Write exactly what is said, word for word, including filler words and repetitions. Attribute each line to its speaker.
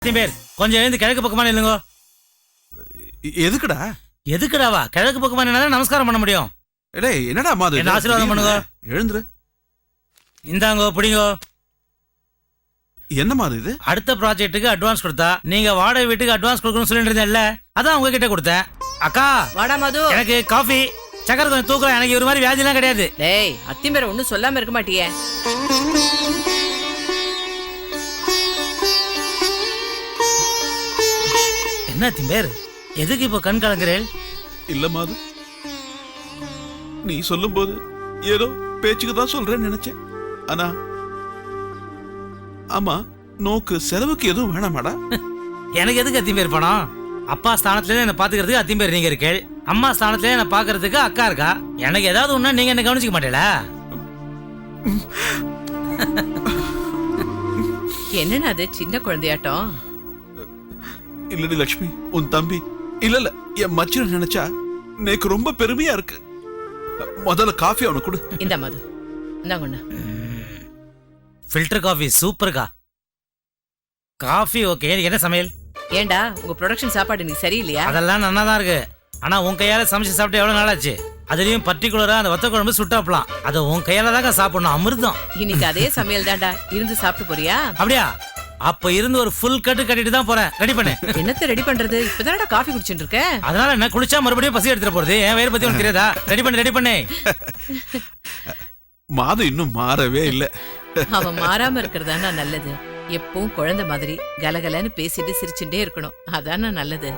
Speaker 1: பேர் கொஞ்சம் எழுந்து கிழக்கு பக்கமா இல்லைங்கோ.
Speaker 2: எதுக்குடா?
Speaker 1: எதுக்குடாவா? கிழக்கு பக்கமா நின்னா நமஸ்காரம் பண்ண முடியும்.
Speaker 2: டேய் என்னடா மாது?
Speaker 1: என்ன ஆசீர்வாதம் பண்ணுங்க.
Speaker 2: எழுந்துரு.
Speaker 1: இந்தாங்கோ பிடிங்கோ.
Speaker 2: என்ன மாது இது?
Speaker 1: அடுத்த ப்ராஜெக்ட்டுக்கு அட்வான்ஸ் கொடுத்தா நீங்க வாடகை வீட்டுக்கு அட்வான்ஸ் கொடுக்கணும்னு சொல்லிட்டு இருந்தேன்ல, அதான் உங்ககிட்ட கொடுத்தேன். அக்கா
Speaker 3: வாடா மது.
Speaker 1: எனக்கு காஃபி சக்கரை கொஞ்சம் தூக்குறேன். எனக்கு ஒரு மாதிரி வியாதிலாம் கிடையாது.
Speaker 3: டேய் அத்திம்பேர ஒன்னும் சொல்லாம இருக்க மாட்டியே.
Speaker 1: என்ன திம்பேர், எதுக்கு இப்போ கண் கலங்குறேன்?
Speaker 2: இல்ல மாது, நீ சொல்லும் போது ஏதோ பேச்சுக்கு தான் சொல்றேன்னு நினைச்சேன். ஆனா ஆமா, நோக்கு செலவுக்கு எதுவும் வேணாமாடா?
Speaker 1: எனக்கு எதுக்கு அத்திம்பேர் பணம்? அப்பா ஸ்தானத்துல என்ன பாத்துக்கிறதுக்கு அத்திம்பேர் நீங்க இருக்கேள், அம்மா ஸ்தானத்துல என்ன பாக்குறதுக்கு அக்கா இருக்கா. எனக்கு ஏதாவது ஒண்ணா நீங்க என்ன கவனிச்சுக்க மாட்டேல?
Speaker 3: என்னன்னா அது சின்ன குழந்தையாட்டம்?
Speaker 2: இல்லடி லட்சுமி, உன் தம்பி இல்ல இல்ல என் மச்சின நினைச்சா எனக்கு ரொம்ப பெருமையா இருக்கு. முதல்ல காஃபி அவனுக்கு கொடு.
Speaker 3: இந்த மது இந்தாங்கண்ணா.
Speaker 1: ஃபில்டர் காஃபி சூப்பர்க்கா. Coffee okay. என்ன சமையல்?
Speaker 3: ஏண்டா உங்க ப்ரொடக்ஷன் சாப்பாடு நீ சரியில்லையா?
Speaker 1: அதெல்லாம் நல்லா தான் இருக்கு. ஆனா உன் கையால சமைச்சு சாப்பிட்டு எவ்வளவு நாளாச்சு? அதுலயும் பர்டிகுலரா அந்த வத்த குழம்பு சுட்டாப்பலாம். அதை உன் கையால தாங்க சாப்பிடணும், அமிர்தம்.
Speaker 3: இன்னைக்கு அதே சமையல் தாண்டா. இருந்து சாப்பிட்டு போறியா?
Speaker 1: அப்படியா? அப்ப இருந்து ஒரு ஃபுல் கட்டு கட்டிட்டு தான் போறேன். ரெடி பண்ணு.
Speaker 3: என்னத்த ரெடி பண்றது? இப்பதானடா காஃபி குடிச்சிட்டு இருக்க.
Speaker 1: அதனால என்ன, குளிச்சா மறுபடியும் பசி எடுத்துட்டு போறது? என் வயிறு பத்தி உனக்கு தெரியாதா? ரெடி பண்ணு ரெடி பண்ணு.
Speaker 2: மாது இன்னும் மாறவே இல்ல.
Speaker 3: அவன் மாறாம இருக்கிறதானா நல்லது. எப்பவும் குழந்தை மாதிரி கலகலன்னு பேசிட்டு சிரிச்சுட்டே இருக்கணும். அதானா நல்லது.